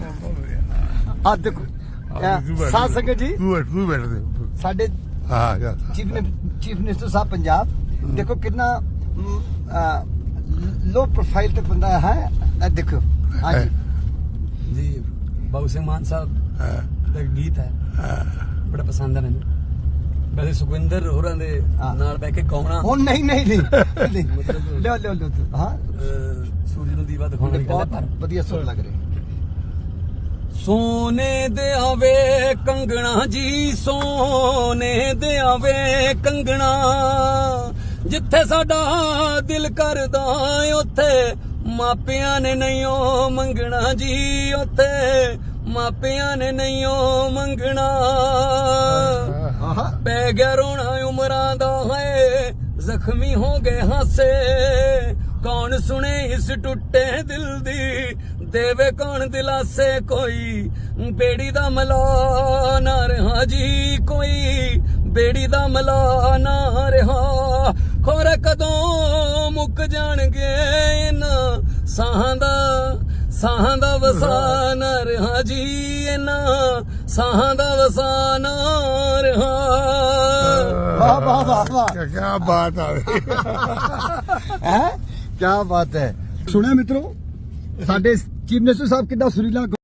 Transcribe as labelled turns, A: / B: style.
A: ਆ ਦੇਖੋ ਸਾਧ ਸੰਗਤ ਜੀ
B: ਤੂੰ ਬੈਠ ਦੇ
A: ਸਾਡੇ ਚੀਫ ਮਿਨਿਸਟਰ ਸਾਹਿਬ ਪੰਜਾਬ ਦੇਖੋ ਕਿੰਨਾ लो प्रोफाइल पे बंदा है। देखो हाँ
C: जी बाबू सिंह मान साहब का गीत है बड़ा पसंद है मैंने। वैसे सुखविंदर होरां दे नाल बैठ के गाउणा
A: ओ नहीं मतलब लो हां
C: सूरज नूं दीवा दिखाउण वाली गल है पर
A: वधिया सुर लग रही।
C: सोने दे आवे कंगना जी सोने दे आवे कंगना जिथे साडा दिल करदा उत्थे मापियां ने नहीं मंगना जी उत्थे मापियां ने नहीं मंगना पै गया रोना उमरां दा है जख्मी हो गए हासे कौन सुने इस टुटे दिल दी देवे कौन दिलासे कोई बेड़ी दा मला ना रहा जी कोई बेड़ी दा मला ना रहा खोरे कदों मुक जाणगे इन्हां साहां दा वसान रहा जी इन्हां साहां दा वसान रहा।
A: वाह वाह वाह वाह
B: क्या बात है
A: क्या बात है। सुने मित्रों साडे चीफ मिनिस्टर साहब कितना सुरीला